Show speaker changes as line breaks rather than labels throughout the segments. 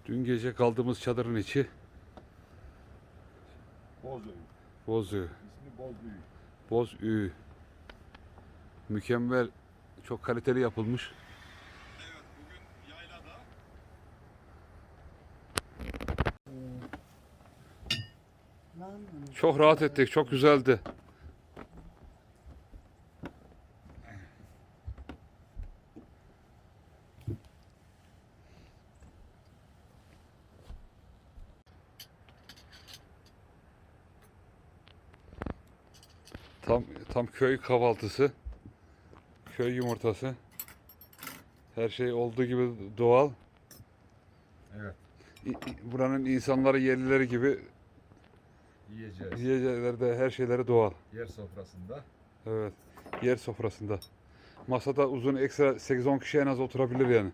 Dün gece kaldığımız çadırın içi Bozüyü.
İsmi Bozüyü.
Bozüyü. Mükemmel, çok kaliteli yapılmış.
Evet, bugün yaylada.
Çok rahat ettik, çok güzeldi. Tam köy kahvaltısı. Köy yumurtası. Her şey olduğu gibi doğal.
Evet.
Buranın insanları, yerlileri gibi
Yiyeceğiz.
yiyecekleri de her şeyleri doğal.
Yer sofrasında.
Evet. Yer sofrasında. Masada uzun ekstra 8-10 kişi en az oturabilir yani.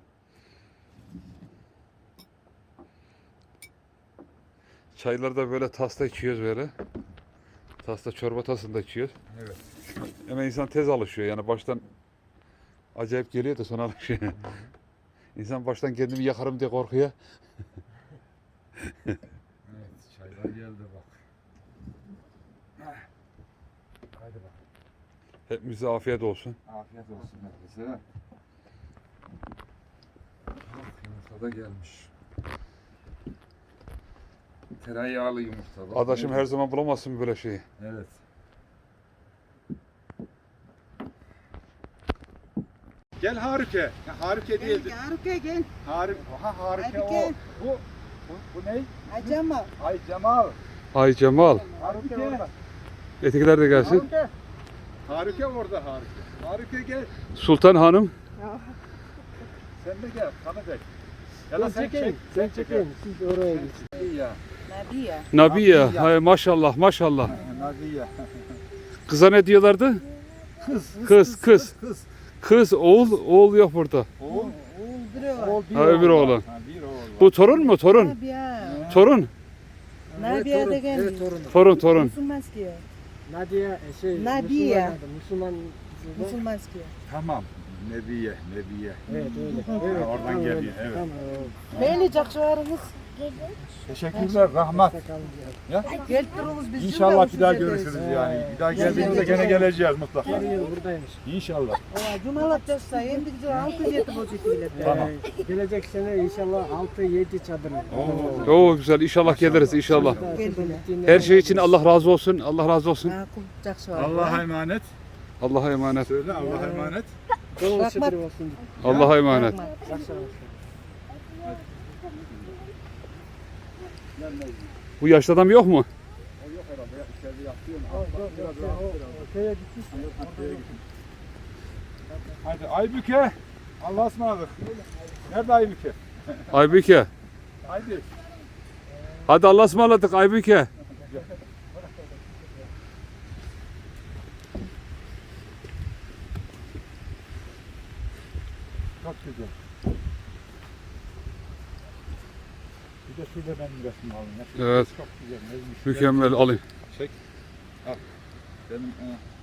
Çayları da böyle tasta içiyoruz böyle. Tasta, çorba tasında içiyoruz.
Evet.
Ama insan tez alışıyor yani, baştan acayip geliyor da sonra alışıyor. İnsan baştan kendimi yakarım diye korkuyor.
Evet, çaylar geldi bak. Haydi bak.
Hepimize afiyet olsun.
Afiyet olsun herkese. Yumurta da gelmiş. Tereyağlı yumurta. Bak,
Adaşım
ne-
her zaman bulamazsın böyle şeyi.
Evet. Gel Harike. Ya, Harike değildi.
Haruke gel.
Harike. Aha Harike
Hadi
o.
gel.
Bu ne?
Acama.
Ay Cemal.
Ay Cemal.
Harike orada.
Etikiler de gelsin.
Harike. Harike orada Harike. Harike gel.
Sultan Hanım.
Sen de gel. Tanı bek. Ya da sen çek.
Sen çekin. Siz oraya geçin.
İyi ya.
Nabiye.
Nabiye.
Nabiye.
Hay maşallah maşallah.
Naziye.
Kıza ne diyorlardı? Kız. Kız, oğul yok burada.
Oğul.
Oğul biri var.
Oğul bir
Ha, öbür
oğul var.
oğlan.
Ha, bir oğul var.
Bu torun mu? Torun.
Nabiye.
Torun.
Nabiye de geldi.
Evet torunum.
Torun.
Musulmanski.
Nadia
Nadia.
Müslüman.
Musulmanski.
Tamam. Nebiye.
Evet öyle.
Ha,
Evet,
oradan
tamam,
geliyor,
öyle.
evet.
Tamam,
Beni cakşıvarımız.
Teşekkürler. Rahmat.
Geltiririz biz.
İnşallah bir daha
Cümle usulü
görüşürüz
ederiz.
yani. Bir daha geldiğimizde gene geleceğiz mutlaka.
Her yıl buradaymış.
İnşallah.
Cumalat yaşta yendik 6-7 bocuk ile.
Tamam.
Gelecek sene inşallah 6-7 çadır.
Oo güzel. İnşallah geliriz inşallah. Her şey için Allah razı olsun. Allah razı olsun.
Allah'a emanet.
Allah'a emanet.
Söyle Allah'a emanet.
Bol çadır olsun.
Allah'a emanet. Bu yaşlı adam yok mu?
O yok herhalde. Ya, içeride yapıyor mu? Hadi Aybüke. Allah'a ısmarladık. Nerede Aybüke?
Aybüke.
Haydi.
Hadi Allah'a ısmarladık Aybüke.
Çok güzel. Bir de şurada benim resmimi alın.
Evet.
Çok güzel. Nezmiş.
Mükemmel alayım.
Çek. Al. Benim